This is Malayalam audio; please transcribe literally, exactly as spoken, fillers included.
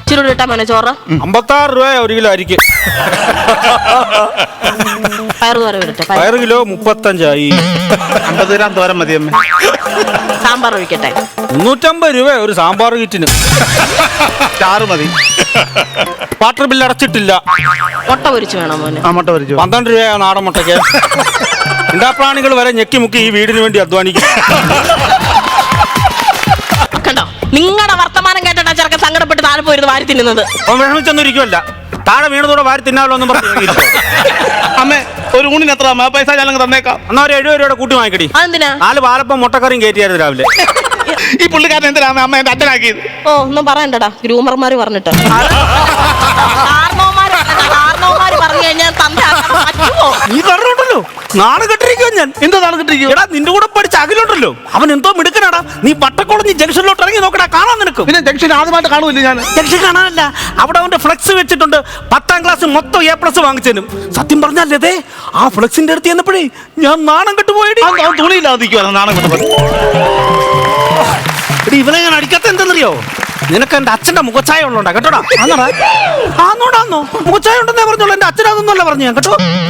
ഇച്ചിരി ഇട്ടാ മോനെ ചോറ്. അമ്പത്താറ് രൂപ ഒരു കിലോ അരിക്ക്. പയറ് തോര വിടട്ടെ. പയറ് കിലോ മുപ്പത്തഞ്ചായി. അമ്പത് ഗ്രാം തോരൻ മതി അമ്മ. സാമ്പാർ ഒഴിക്കട്ടെ. മുന്നൂറ്റമ്പത് രൂപ ഒരു സാമ്പാർ കിറ്റിന്. ചാറ് മതി. വാട്ടർ ബില്ല് അടച്ചിട്ടില്ല. മുട്ട പൊരിച്ചു വേണം മോനെ. ആ മുട്ട പൊരിച്ചു. പന്ത്രണ്ട് രൂപ നാടൻ മുട്ടയ്ക്ക്. ഇണ്ടാപ്രാണികൾ വരെ ഞെക്കി മുക്കി ഈ വീടിന് വേണ്ടി അധ്വാനിക്കും. കണ്ടോ, നിങ്ങളുടെ വർത്തമാനം കേട്ടാ ചെറുക്കൻ സങ്കടപ്പെട്ട് താഴെ പോയിരുന്നു വാരി തിന്നുന്നത്. അവൻ വിഷമിച്ചൊന്നും ഇരിക്കുമല്ല. താഴെ വീണതോടെ വാരി തിന്നാലോ എന്നും പറഞ്ഞു. അമ്മേ ഒരു ഊണിന് എത്ര അമ്മ? പൈസ ഞാനങ്ങ് തന്നേക്കാം. എന്നാ ഒരു എഴുപത് രൂപയുടെ കൂട്ടി വാങ്ങിക്കടി. അതെന്തിനാ? നാല് പാലപ്പം മുട്ടക്കറിയും കയറ്റിയായിരുന്നു രാവിലെ. ഈ പുള്ളിക്കാരൻ എന്തിനാ അമ്മ എന്റെ അച്ഛനാക്കിയത്? ഓ ഒന്നും പറയണ്ടടാ, ഗ്രൂമർമാര് പറഞ്ഞിട്ട്. കാരണവന്മാര് പറഞ്ഞു കഴിഞ്ഞാൽ തന്തോ നീ പറഞ്ഞോണ്ടല്ലോ നാട് കെട്ടിരിക്കുവോ ഞാൻ. എന്തോ നാളെ കിട്ടിരിക്കും. എടാ നിന്റെ കൂടെ പഠിച്ച അഖിലുണ്ടല്ലോ, അവൻ എന്തോ മിടുക്കനാടാ. നീ വട്ടക്കുളഞ്ഞ് ജംഗ്ഷനിലോട്ട് ഇറങ്ങി നോക്കടാ, കാണാൻ നിനക്ക്. പിന്നെ ജംഗ്ഷൻ ആദ്യമായിട്ട് കാണുമല്ലോ ഞാൻ. ജംഗ്ഷൻ കാണാനല്ല, അവിടെ അവന്റെ ഫ്ലെക്സ് വെച്ചിട്ടുണ്ട്. പത്താം ക്ലാസ് മൊത്തം എ പ്ലസ് വാങ്ങിച്ചതിനും. സത്യം പറഞ്ഞല്ലേ ആ ഫ്ലെക്സിന്റെ അടുത്ത് ചെന്നപ്പോഴേ ഞാൻ നാണം കെട്ടുപോയി. അവൻ തുണിയില്ലാതിരിക്കുവാണ് നാണം കിട്ടുമ്പോൾ. ഇവനെ ഞാൻ അടിക്കാത്ത എന്തെന്നറിയോ? നിനക്ക് എന്റെ അച്ഛന്റെ മുഖച്ചായ ഉള്ളോണ്ടാ കേട്ടോടാ. ആന്നോടാ ആന്നോടാന്നോ മുഖച്ചായ ഉണ്ടെന്നേ പറഞ്ഞോളൂ. എന്റെ അച്ഛനതൊന്നുമല്ല പറഞ്ഞു ഞാൻ കേട്ടോ.